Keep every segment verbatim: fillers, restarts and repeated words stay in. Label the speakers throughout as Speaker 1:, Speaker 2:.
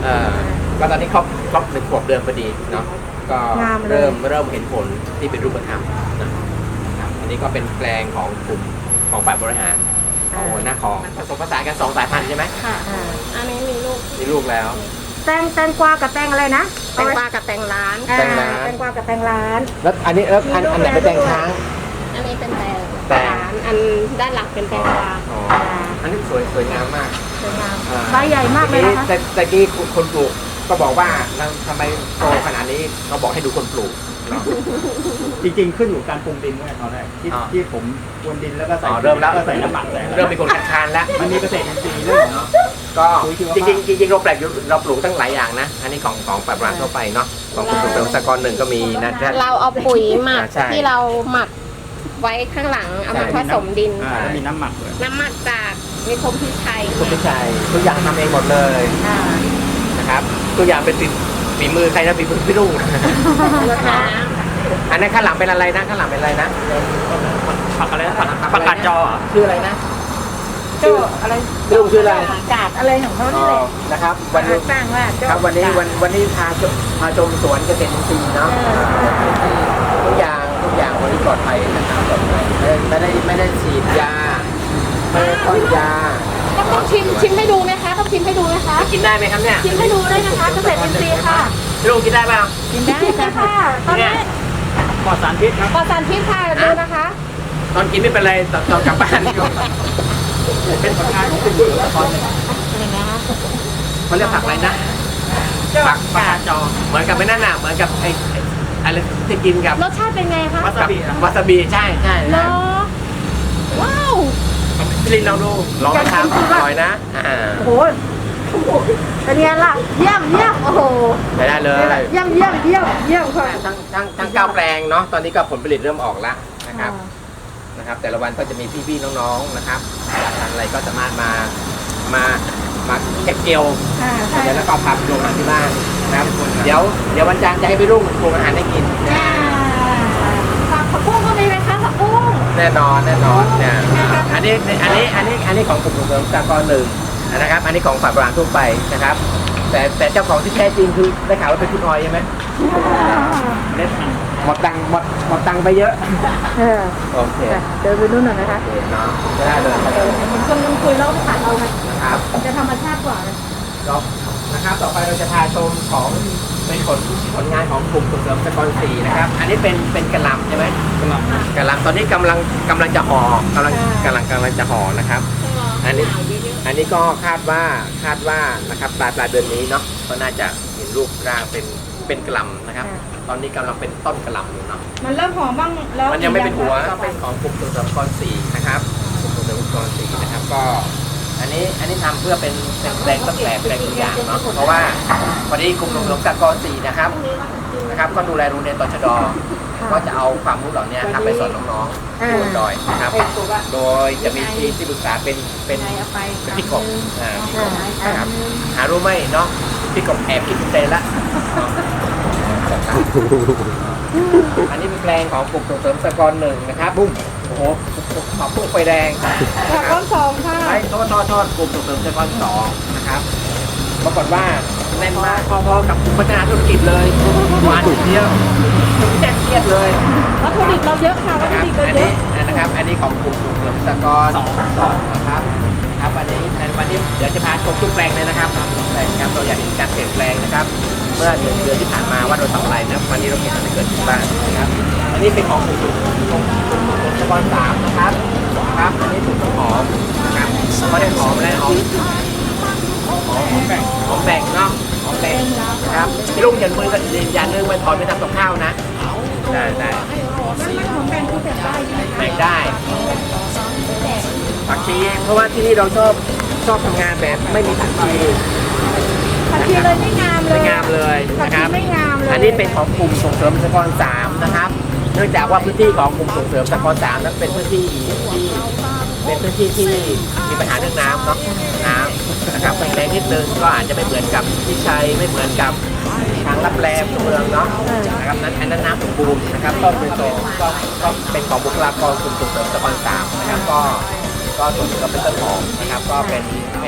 Speaker 1: เออก็ตอนนี้ครบครบหนึ่งขวบเดือนพอดีเนาะก็เริ่มเริ่มเห็นผลที่เป็นรูปธรรมนะครับอันนี้ก็เป็นแปลงของกลุ่มของฝ่ายบริหารของหัวหน้าของผสมผสานกันสองสายพันธุ์ใช่ไหม
Speaker 2: ค่ะอันนี้มีลูก
Speaker 1: มีลูกแล้ว
Speaker 3: แตงแตงกวากับแตงอะไรนะ
Speaker 2: แตงกวากับแตงร้าน
Speaker 1: แตงร้าน
Speaker 3: แตงกวากับแตงร้าน
Speaker 1: แล้วอันนี้แล้วอันอันไหนเป็นแตงค้าง
Speaker 2: อันนี้เป็นแตงแตงร้านอันด้านหลังเป็นแตงกวา
Speaker 1: อ๋ออันนี้สวยสวยงามมาก
Speaker 3: สวยงามใบใหญ่มากเลยนะคะ
Speaker 1: แต่แต่กี้คนปลูกก็บอกว่าทำไมโตขนาดนี้เราบอกให้ดูคนปลูก
Speaker 4: จริงๆขึ้นอยู่การปรุงดินด้วยตอนแรกที่ที่ผมปรุงดินแล้วก็ใส่
Speaker 1: เริ่มแล้ว
Speaker 4: ก็ใส่น้ำหมักใส่
Speaker 1: เริ่มเป็นคนคัดค้านแล้ว
Speaker 4: มันมีเกษตรอินทรีย์ด้วย
Speaker 1: ก็จริงๆจริงๆเราแปลกเราปลูกตั้งหลายอย่างนะอันนี้ของของปลาปลาทั่วไปเนาะของกลุ่มส่งเสริมสหกรณ์หนึ่งก็มีนะ
Speaker 2: เราเอาปุ๋ยหมักที่เราหมักไว้ข้างหลังเอามาผสมดิน
Speaker 4: แล้วมีน้ำหมักด้วย
Speaker 2: น้ำหมักจากมีคมพิชัย
Speaker 1: คมพิชัยทุกอย่างทำเองหมดเลยนะครับทุกอย่างเป็นฝีมือใครนะฝีมือพี่ลุงอันนั้นข้างหลังเป็นอะไรนะข้างหลังเป็นอะไรนะ
Speaker 4: ผักอะไรผักผักกาดจอ
Speaker 1: ชื่ออะไรนะ
Speaker 3: ชื่ออะไร
Speaker 1: ลุงชื่ออะไร
Speaker 3: กาดอะไรของเขาเนี่ย
Speaker 1: นะครับวันนี้
Speaker 3: สร้างว่า
Speaker 1: ครับวันนี้วันวันนี้พาพาชมสวนเกษตรอินทรีย์เนาะทุกอย่างทุกอย่างวันนี้ปลอดภัยนะครับปลอดภัยไม่ได้ไม่ได้ฉีดยาไม่ได้พ่นยา
Speaker 2: ต้องชิมชิมให้ดูไหมคะต้องชิมให้ดูไหมคะ
Speaker 1: กินได้ไหมครับเนี่ย
Speaker 2: ชิมให้ดูได้นะคะเกษตรอินทรีย์ค่ะ
Speaker 1: ลุงกินได้ป่ะ
Speaker 3: กินได้ค่ะตอนนี้
Speaker 4: ปลอดสารพิษครับ
Speaker 2: ปลอดสารพิษค่ะดูนะคะ
Speaker 1: ตอนกินไม่เป็นไรตอนตอนกลับบ้านนี่
Speaker 4: เป็นผลงานของคุณละครเลย
Speaker 1: เขาเรียกผักอะไรนะผักกาดจอเหมือนกับไม่นั่นน่ะเหมือนกับไอ้อะไรที่กินกับ
Speaker 2: รสชาติเป็นไงคะ
Speaker 4: วาซาบิ
Speaker 1: วาซาบิใช่ใช่
Speaker 2: เหรอว้าว
Speaker 1: พี่ลินลองดูลองนะครับอร่อยนะ
Speaker 3: โอ้โหเป็นไงล่ะเยี่ยมเยี่ยมโอ้โห
Speaker 1: ได้ได้เลย
Speaker 3: เยี่ยมเยี่ยมเยี่ยมเยี่ยมค่ะ
Speaker 1: ทั้งทั้งทั้งเก้าแปลงเนาะตอนนี้ก็ผลผลิตเริ่มออกแล้วนะครับนะครับแต่ละวันก็จะมีพี่ๆน้องๆนะครับทางอะไรก็สามารถมามามาเก็บเกี่ยวเดี๋ยวแล้วก็พาไปโรงอาหารที่บ้านนะครับเดี๋ยวเดี๋ยววันจันทร์จะให้ไปรุ่งโรงอาหารได้กิน
Speaker 2: ผักผักบุ้งก็มีไหมคะผักบุ้ง
Speaker 1: แน่นอนแน่นอนเนี่ยอันนี้อันนี้อันนี้อันนี้ของกลุ่มส่งเสริมสหกรณ์หนึ่งนะครับอันนี้ของฝ่ายบริหารทั่วไปนะครับแต่แต่เจ้าของที่แท้จริงคือได้ข่าวว่าเป็นคุณออยใช่ไหมเล็ดหมดตังหมดหมดตังไปเยอะโอเค
Speaker 3: เดินไปนู่นหน่อยนะคะ
Speaker 1: เนาะได้เลย
Speaker 3: มันกำลังคุยแล้วผ่านเราไงครับจะธรรมชาติกว่าเลย
Speaker 1: นะครับต่อไปเราจะพาชมของเป็นผลผลงานของกลุ่มส่งเสริมสหกรณ์สี่นะครับอันนี้เป็นเป็นกระลำใช่ไหม
Speaker 4: กระลำ
Speaker 1: กระลำตอนนี้กำลังกำลังจะห่อกำลังกำลังกำลังจะห่อนะครับอันนี้อันนี้ก็คาดว่าคาดว่านะครับปลายปลายเดือนนี้เนาะก็น่าจะเห็นรูปร่างเป็นเป็นกระลำนะครับตอนนี้กำลังเป็นต้นกระลำอยู่เนาะ
Speaker 3: มันเริ่มหอมบ้างแล้ว
Speaker 1: มันยังไม่เป็นหัวก็เป็นของกลุ่มส่งเสริมสหกรณ์สี่นะครับกลุ่มส่งเสริมสหกรณ์สี่นะครับก็อันนี้อันนี้ทำเพื่อเป็นเป็นแปลงต้นแบบแปลงตัวอย่างเนาะเพราะว่าวันนี้กลุ่มส่งเสริมสหกรณ์สี่นะครับนะครับก็ดูแลโรงเรียนตชด.ก็จะเอาความรู้เหล่านี้ครับไปสอนน้องๆบนดอยนะครับโดยจะมีทีมที่ปรึกษาเป็นเป็นพี่กบอ่าพี่กบนะครับหารู้ไหมเนาะพี่กบแอบคิดเต็มละอันนี้เป็นแปลงของกลุ่มส่งเสริมสหกรณ์หนึ่งนะครับบุ้มโอ้โหขอบพุ่งไฟแดง
Speaker 3: สหกรณ์สองค่ะ
Speaker 1: ไอ้ทอดทอดทอดกลุ่มส่งเสริมสหกรณ์สองนะครับปรากฏว่าแน่นมากพอๆกับพัฒนาธุรกิจเลยหวานเดียวแจ๊กเครียดเลย
Speaker 3: วัตถุดิบเราเยอะค่ะวัตถุดิบเราเยอะ
Speaker 1: นะครับอันนี้ของกลุ่มส่งเสริมสหกรณ์สองนะครับครับวันนี้วันนี้เดี๋ยวจะพาชมทุกแปลงเลยนะครับแปลงครับเราอยากเห็นการเปลี่ยนแปลงนะครับเมื่อเดือนเดือนที่ผ่านมาว่าเราทำอะไรนะวันนี้เราเห็นอะไรเกิดขึ้นบ้างนะครับอันนี้เป็นของกลุ่มของกลุ่มส่งเสริมสหกรณ์สามนะครับครับอันนี้ถูกต้นหอมนะครับก็ได้หอมและหอมหอมแบ่งหอมแบ่งเนาะหอมแบ่งนะครับพี่ลุงอย่ามือกันอย่าเนื้อมันถอนไปทำกับข้าวนะได้ได้
Speaker 3: หอมแบ่งคือแบ่งได้
Speaker 1: แบ่งได้ผักชีเพราะว่าที่นี่เราชอบชอบทำงานแบบไม่มีผักชี
Speaker 3: ผักชีเลยไม่งามเลย
Speaker 1: ไม่งามเลยนะครับ
Speaker 3: ไม่งามเลย
Speaker 1: อันนี้เป็นของกลุ่มส่งเสริมสหกรณ์สามนะครับเนื่องจากว่าพื้นที่ของกลุ่มส่งเสริมสหกรณ์สามนั้นเป็นพื้นที่ที่เป็นพื้นที่ที่มีปัญหาเรื่องน้ำเนาะน้ำนะครับแรงนิดนึงก็อาจจะไม่เหมือนกับที่ชัยไม่เหมือนกับทางรับแลเมืองเนาะนะครับนั้นอันนั้นน้ำสมบูรณ์นะครับต้นเป็นโตก็ก็เป็นของบุคลากรกลุ่มส่งเสริมสหกรณ์สามนะครับก็ก็ส่วนก็เป็นต้นหอมนะครับก็เป็นเป็น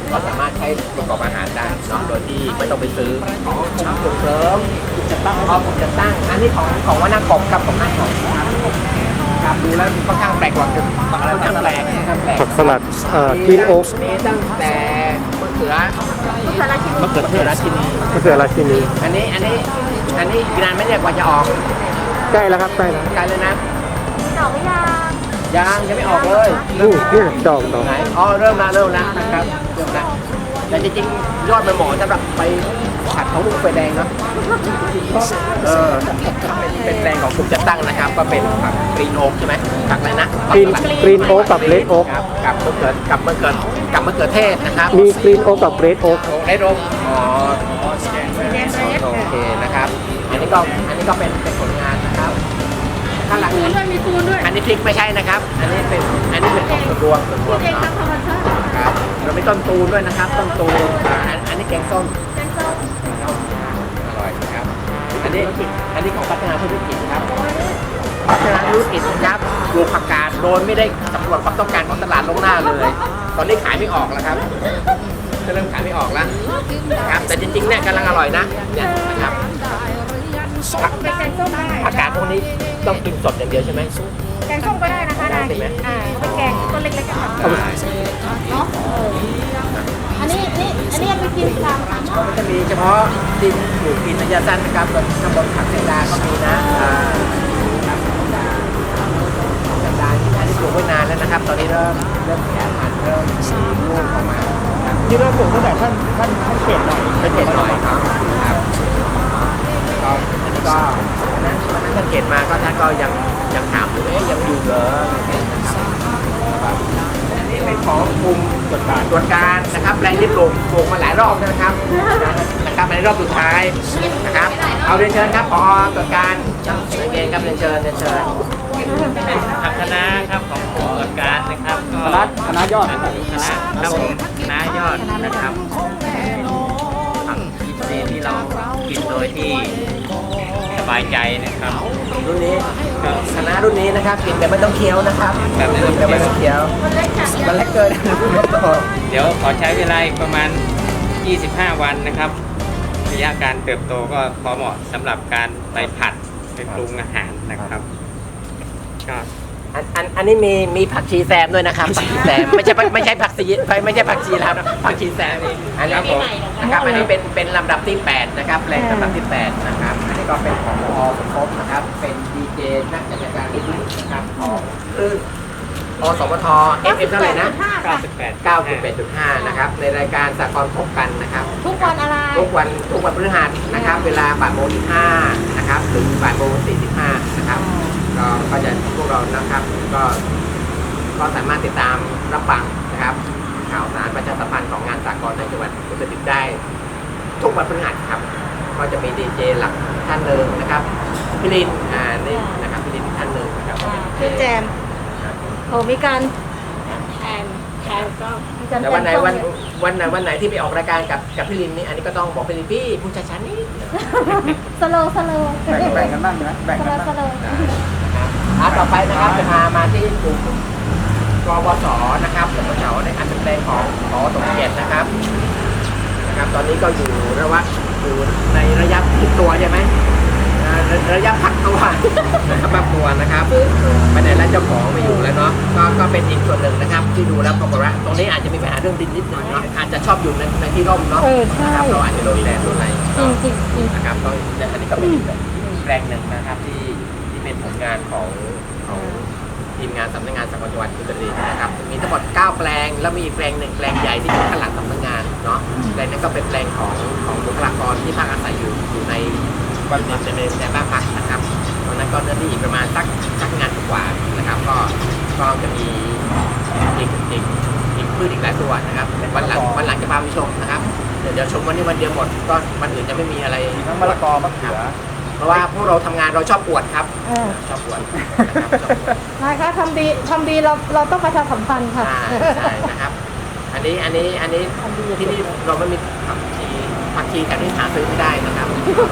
Speaker 1: ก็สามารถใช้ประกอบอาหารได้เนาะโดยที่ไม่ต้องไปซื้อของส่งเสริมจะตั้งอ๋อผมจะตั้งอันนี้ของของว่าหน้ากบครับของหน้ากบครับดูแล้วค่อนข้างแปลกกว่าค่อนข้างแปลกค่อนข้างแปลก
Speaker 5: ผักสลัดเอ่อกรีนโอ๊ก
Speaker 1: มีตั้งแต่มะเขือ
Speaker 3: มะเขือราชินี
Speaker 1: มะเขือเทศราชินี
Speaker 5: มะเขือราชินี
Speaker 1: อันนี้อันนี้อันนี้อีกนานไหม่เนี่ยกว่าจะออก
Speaker 5: ใกล้แล้วครับใกล้แล้ว
Speaker 1: ไกลเลยนะ
Speaker 3: ดอกไม่ยาง
Speaker 1: ยังยังไม่ออกเลย
Speaker 5: นี่นี่ดอกดอก
Speaker 1: ไหนอ๋อเริ่มละเริ่มละนะครับเริ่มละแต่จริงๆยอดมันเหมาะสำหรับไปผัดของลูกไฟแดงเนาะเออเป็นแปลงของกลุ่มจัดตั้งนะครับ ก็เป็นผักกรีนโอ๊กใช่ไหมผักอะไรนะ
Speaker 5: กรีนกรีนโอ๊กกับเลดโอ๊ก
Speaker 1: ครับกับมะเขือกับมะเขือกับมะเขือเทศนะครับ
Speaker 5: มีกรีนโอ๊กกับเรดโอ๊ก
Speaker 1: เลดโอ๊กอ๋อโอเคนะครับ อันนี้ก็อันนี้ก็เป็นเป็นผลงานนะครับข้างหลังนี้
Speaker 3: มีปูนด้วย
Speaker 1: อันนี้พริกไม่ใช่นะครับ อันนี้เป็นอันนี้เป็นของส่วนรวมส่วนรวม
Speaker 3: เอง
Speaker 1: เนาะ
Speaker 3: ทำธรรมชาติ
Speaker 1: ครับเราไม่ต้นตูนด้วยนะครับ ต้นตูนอ่าอันอันนี้แกงส้ม
Speaker 3: แกงส้ม
Speaker 1: อร่อยนะครับ อันนี้อันนี้ของพัฒนาธุรกิจครับพัฒนาธุรกิจนะครับปลูกผักกาดโดยไม่ได้สำรวจความต้องการของตลาดล่วงหน้าเลย ตอนนี้ขายไม่ออกแล้วครับจะเริ่มขายไม่ออกแล้วนะครับ แต่จริงๆเนี่ยกำลังอร่อยนะเนี่ยนะครับผัก
Speaker 3: เป็นแกงส้มได้
Speaker 1: ผักกาดพวกนี้ต้องกินสดอย่างเดียวใช่ไหม
Speaker 3: แกงส้มก็ได้นะคะ
Speaker 1: ได้
Speaker 3: ได้
Speaker 1: ใช่ไหม
Speaker 3: อ่าเป็นแกงต้นเล็กๆกัน
Speaker 1: ได้
Speaker 3: เนาะอันนี้นี่อันนี้เอาไปกินตามค่ะ
Speaker 1: ก็มันจะมีเฉพาะดินปลูกดินระยะสั้นนะครับส่วนข้างบนผักแตงดาก็มีนะอ่าครับแตงดาแตงดาที่อันนี้ปลูกไว้นานแล้วนะครับ ตอนนี้เริ่มเริ่มแก่พันธุ์เริ่มมีลูกออกมาครับ
Speaker 4: ที่เราปลูกตั้งแต่ท่านท่านท่านเขตหน่อย
Speaker 1: สังเกตหน่อยครับครับก็อันนี้ก็วันนั้นวันนั้นสังเกตมาก็ท่านก็ยังยังถามอยู่เอ๊ะยังอยู่เหรออะไรอย่างเงี้ยนะครับอันนี้เป็นของกลุ่มตรวจการตรวจการนะครับแปลงที่ปลูกปลูกมาหลายรอบแล้วนะครับนะครับในรอบสุดท้ายนะครับ เอาเรียนเชิญครับพอตรวจการโอเคครับเรียนเชิญเรียนเชิญ
Speaker 6: ทางคณะครับของผู้ตรวจการนะครับก็
Speaker 4: คณะคณะยอด
Speaker 6: คณะครับผมคณะยอดนะครับผักอินทรีย์ที่เรากินโดยที่สบายใจนะครับ
Speaker 1: รุ่นนี้
Speaker 6: ก็
Speaker 1: คณะรุ่นนี้นะครับกินแต่ไม่ต้องเคี้ยวนะครับ
Speaker 6: แบบไม่ต้อง
Speaker 1: กินแต่ไม่ต้องเคี้ยว
Speaker 3: มันเล็กค่ะ
Speaker 1: มันเล็กเกิน
Speaker 6: เดี๋ยวขอใช้เวลาอีกประมาณ ยี่สิบห้า วันนะครับ ระยะการเติบโตก็พอเหมาะสำหรับการไปผัดไปปรุงอาหารนะครับก็
Speaker 1: อันอันอันนี้มีมีผักชีแซมด้วยนะครับผักชีแซมไม่ใช่ไม่ใช่ผักชีไม่ใช่ผักชีแล้วนะผักชีแซมอันนี้ผมนะครับอันนี้เป็นเป็นลำดับที่แปดนะครับแปลงลำดับที่แปดนะครับอันนี้ก็เป็นของอสมภพนะครับเป็นดีเจนักจัดการที่ดีนะครับของคืออสมทเอฟเอฟเท่าไหร่นะ
Speaker 6: เก้าสิบแปด
Speaker 1: เก้าสิบแปดจุดห้านะครับในรายการสากลพบกันนะครับ
Speaker 3: ทุกวันอะไร
Speaker 1: ทุกวันทุกวันพฤหัสนะครับ เวลาบ่ายโมงสิบห้านะครับถึงบ่ายโมงสี่สิบห้านะครับก็ก็จะพวกเรานะครับก็ก็สามารถติดตามรับฟังนะครับข่าวสารประชาสัมพันธ์ของงานสากลในจังหวัดอุตรดิตถ์ได้ ทุกวันพฤหัสครับก็จะมีดีเจหลักท่านหนึ่งนะครับพี่ลินอ่านี่นะครับพี่ลินอีกท่านหนึ่งนะครับ
Speaker 3: คือแจมโอ้มีการ
Speaker 2: แอนแอนก็
Speaker 3: มีการ
Speaker 1: แต่วันไหน
Speaker 3: แจมส้ม
Speaker 1: วันวันไหนวันไหนที่ไปออกรายการกับกับพี่ลินนี่อันนี้ก็ต้องบอกพี่ลินพี่พูดช้าๆนิด
Speaker 3: สโลว์สโลว์
Speaker 4: แบ่งแบ่งกันบ้างนะแบ่ง
Speaker 3: ส
Speaker 4: กัน
Speaker 3: โลว์ส
Speaker 4: บ้าง
Speaker 3: โลว์
Speaker 1: นะครับอ่าต่อไปนะครับจะพามาที่กลุ่มกบสนะครับกบสในการเป็นแปลงของขอสมเกียรตินะครับนะครับ ตอนนี้ก็อยู่ระหว่างอยู่ในระยะพักตัวใช่ไหมอ่าระระยะพักตัวนะครับพักตัวนะครับไปไหนแล้วเจ้าของไม่อยู่แล้วเนาะก็ก็เป็นอีกส่วนหนึ่งนะครับ ที่ดูแล้วปรากฏว่าตรงนี้อาจจะมีปัญหาเรื่องดินนิดหน่อยเนาะอาจจะชอบอยู่ในในที่ร่มเนาะ
Speaker 2: เออใช่
Speaker 1: นะครับเราอาจจะโดนแดดโดนอะไร
Speaker 2: จริงจริงจริง
Speaker 1: นะครับก็อันนี้ก็เป็นแปลงหนึ่งนะครับที่ที่เป็นผลงานของของทีมงานสำนักงานสากลจังหวัดอุตรดิตถ์นะครับมีทั้งหมดเก้าแปลงแล้วมีอีกแปลงหนึ่งแปลงใหญ่ที่อยู่ข้างหลังสำนักงานเนาะแปลงนั้นก็เป็นแปลงของของบุคลากรที่พักอาศัยอยู่อยู่ในบ้านพักในในบ้านพักนะครับตรงนั้นก็เนื้อที่อีกประมาณสักสักงานกว่านะครับก็ก็จะมีอีกอีกอีกพืชอีกหลายตัวนะครับวันหลังวันหลังจะพาไปชมนะครับเดี๋ยวเดี๋ยวชมวันนี้วันเดียวหมดก็วันอื่นจะไม่มีอะไร
Speaker 4: มีทั้งมะละกอมะเขือ
Speaker 1: เพราะว่าพวกเราทำงานเราชอบอวดครับ
Speaker 3: เออ
Speaker 1: ชอบอวดนะครับชอบอวด
Speaker 3: นายคะทำดีทำดีเราเราต้องประชาสัมพันธ์ค่ะ
Speaker 1: ใช่ใช่นะครับ อันนี้อันนี้อันนี้ที่นี่เราไม่มีผักชีผักชีกันที่หาซื้อไม่ได้นะครับ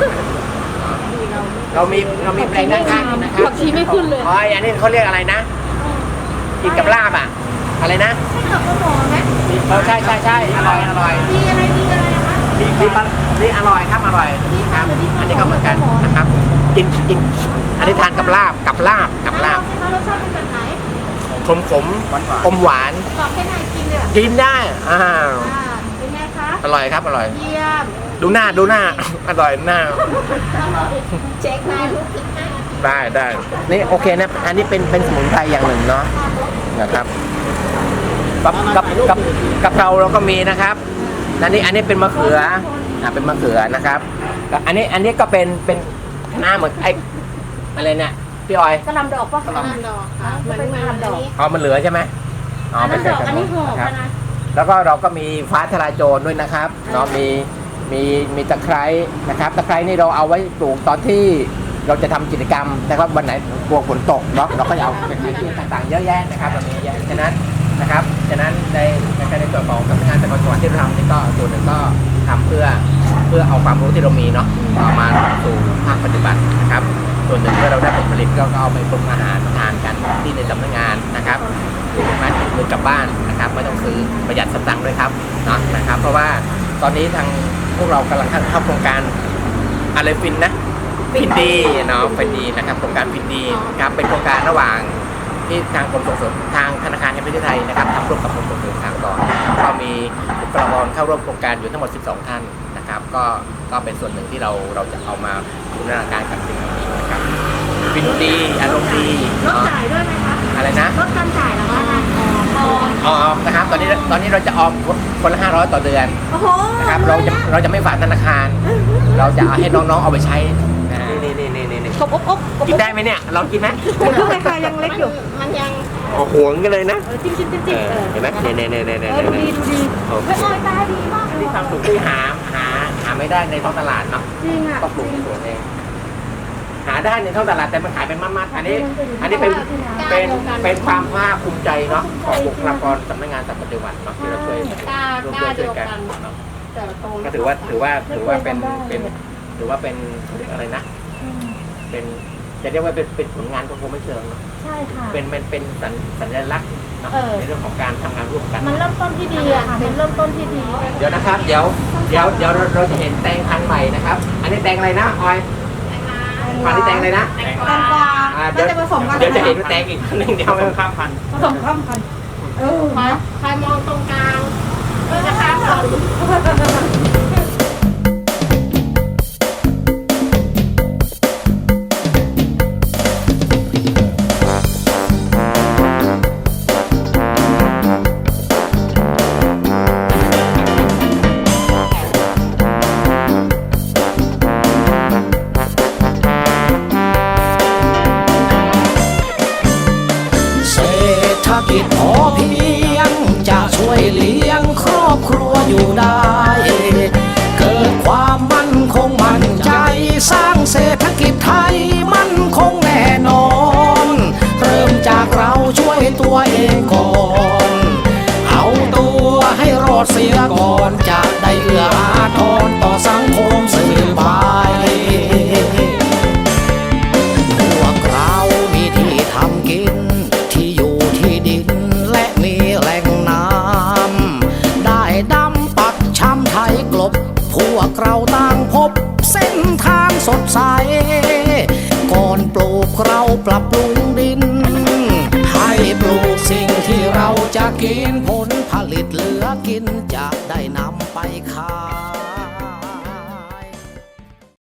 Speaker 1: เรามีเรามีแปลงด้านข้างนะครับ
Speaker 2: ผักชีไม่ขึ้นเลย
Speaker 1: อ๋ออันนี้เขาเรียกอะไรนะกินกับลาบอ่ะอะไรนะ
Speaker 3: ไม่เหลือก็หมอไหม
Speaker 1: มีฝอใช่ใช่ใช่อร่อยอร่อย
Speaker 3: ดีอะไรดีอะไรนะคะ
Speaker 1: นี่นี่อร่อยครับอร่อยครับอันนี้ก็เหมือนกันนะครับกินกินอันนี้ทานกับลาบกับลาบกับลาบ
Speaker 3: ใช่ไหมรสชาติเป็นแบบไหน
Speaker 1: ขมขมอมหวาน
Speaker 3: บอกแค่ไหนกินเลย
Speaker 1: กินได้อ่า
Speaker 3: อ่าเป็นไงคะ
Speaker 1: อร่อยครับอร่อย
Speaker 3: เยี่ยม
Speaker 1: ดูหน้าดูหน้า อร่อยหน้า
Speaker 2: เช็คได้ทุกสิบห้านาที
Speaker 1: ได้ได้นี่โอเคนะอันนี้เป็นเป็นสมุนไพรอย่างหนึ่งเนาะนะครับกับกับกับกับเราเราก็มีนะครับอันนี้อันนี้เป็นมะเขืออ่าเป็นมะเขือนะครับกับอันนี้อันนี้ก็เป็นเป็นหน้าเหมือนไอ้อะไรเนี่ยพี่ออย
Speaker 3: กระหลำดอกป่ะ
Speaker 2: กระหล่ำดอกค่ะเหมือนเหมือนอันนี้
Speaker 1: อ๋อมันเหลือใช่ไหมอ๋อ
Speaker 3: อัน
Speaker 1: ไม่
Speaker 3: นั้นด
Speaker 1: ใช่
Speaker 3: อกอันนี้หอม
Speaker 1: ครับ
Speaker 3: นะ
Speaker 1: แล้วก็เราก็มีฟ้าทลายโจรด้วยนะครับเนาะมีมีมีตะไคร้นะครับตะไคร้นี่เราเอาไว้ปลูกตอนที่เราจะทำกิจกรรมนะครับวันไหนกลัวฝนตกเนาะเราก็จะเอาเป็นที่ต่างๆเยอะแยะนะครับเรามีเยอะแยะฉะนั้นนะครับฉะนั้นในในในส่วนของสำนักงานตะกอนจังหวัดที่เราทำนี่ก็ส่วนหนึ่งก็ทำเพื่อเพื่อเอาความรู้ที่เรามีเนาะเอามาสู่ภาคปฏิบัตินะครับส่วนหนึ่งเมื่อเราได้ผลผลิตก็เอาไปปรุงอาหารทานกันที่ในสำนักงานนะครับหรือแม้ติดมือกลับบ้านนะครับไม่ต้องซื้อประหยัดสตังค์ด้วยครับเนาะนะครับเพราะว่าตอนนี้ทางพวกเรากำลังเข้าโครงการอะไรฟินนะฟินดีเนาะฟินดีนะครับโครงการฟินดีครับเป็นโครงการระหว่างที่ทางกรมส่งเสริมทางธนาคารแห่งประเทศไทยนะครับทำร่วมกับกรมส่งเสริมทางก่อนก็มีบุคลากรเข้าร่วมโครงการอยู่ทั้งหมดสิบสองท่านนะครับก็ก็เป็นส่วนหนึ่งที่เราเราจะเอามาบูรณาการกับสิ่งนี้นะครับฟินดีอารมณ์ดี
Speaker 3: ลดจ่ายด้วยไหมคะ
Speaker 1: อะไรนะ
Speaker 3: ลดการจ่ายเหรอคะอ๋อ
Speaker 1: ออมนะครับตอนนี้ตอนนี้เราจะออมคนละห้าร้อยต่อเดือน
Speaker 3: โอ้โห
Speaker 1: นะครับเราจะเราจะไม่ฝากธนาคาร เราจะเอาให้น้องๆเอาไปใช้นะนี่นี่นี่นี่นี่
Speaker 3: กบอบอบกบ
Speaker 1: กินได้ไหมเนี่ยเรากินไหม
Speaker 3: มันก็ราคายังเล็กอยู่
Speaker 2: มันยัง
Speaker 1: โอ้โหวงกันเลยนะ
Speaker 3: เออจิ้มจิ้มจิ้มจิ้มเออ
Speaker 1: เห็นไหมเนี่ยเนี่ยเนี่ยเนี่ย
Speaker 3: เอ
Speaker 1: เนี่ย
Speaker 3: อดูดีดูดี
Speaker 1: โอเค
Speaker 3: เฮ้ยออยตาดีมากเลย
Speaker 1: นี่ความสุขที่หาหาหาไม่ได้ในท้องตลาดเนาะ
Speaker 3: จริงอ่ะ
Speaker 1: ต้องปลูกในสวนเองหาได้ในท้องตลาดแต่มันขายเป็นมัดๆอันนี้ อันนี้เป็นเป็นเป็นความภาคภูมิใจเนาะของบุคลากรสำนักงานสัตว์ปฏิวัติเนาะที่เราช่วย
Speaker 2: กล้า
Speaker 1: ร่วม
Speaker 2: กล้า
Speaker 1: ด้วย
Speaker 2: เดี
Speaker 1: ช่วย
Speaker 2: ยว
Speaker 1: กัน
Speaker 2: กัน
Speaker 1: เนาะ
Speaker 2: แต่ละโต
Speaker 1: ก็ถือว่าถือว่าถือว่าเป็นเป็นถือว่าเป็นเขาเรียกอะไรนะ เป็นจะเรียกว่าเป็นเป็นผลงานก็คงไม่เชิงเนอะ
Speaker 3: ใช่ค่ะ
Speaker 1: เป็นเป็นเป็นสัญสัญลักษณ์เนอะ
Speaker 3: เออ
Speaker 1: ในเรื่องของการทำงานร่วมกัน
Speaker 3: มันเริ่มต้นที่ดีอ่ะเป็นเริ่มต้นที่ดี
Speaker 1: เดี๋ยวนะครับ เดี๋ยวเดี๋ยวเดี๋ยวเราเราจะเห็นแตงพันธุ์ใหม่นะครับ อันนี้แตงอะไรนะออยพันธุ์ที่แตงอะไรนะ
Speaker 3: แตงกวา
Speaker 1: อ่า
Speaker 3: น่าจะผสมกัน
Speaker 1: เดี๋ยวจะเห็นว่าแตงอีกพันธุ์หนึ่งเดียวข้ามพันธุ์
Speaker 3: ผสมข้ามกันเออ
Speaker 2: ใครใครมองตรงกลางก็จะข้ามฝั่ง
Speaker 7: เศรษฐกิจพอเพียงจะช่วยเลี้ยงครอบครัวอยู่ได้ เกิดความมั่นคงมั่นใจสร้างเศรษฐกิจไทยมั่นคงแน่นอน เริ่มจากเราช่วยตัวเองก่อน เอาตัวให้รอดเสียก่อนจะได้เอื้ออาทรต่อสังคมสืบไป พวกเรามีที่ทำกินที่อยู่ที่ดินและมีแหล่งน้ำได้ดำปักช้ำไทยกลบ พวกเราต่างพบเส้นทางสดใส ก่อนปลูกเราปรับปรุงดิน ให้ปลูกสิ่งที่เราจะกินผลผลิตเหลือกินจะได้นำไปขาย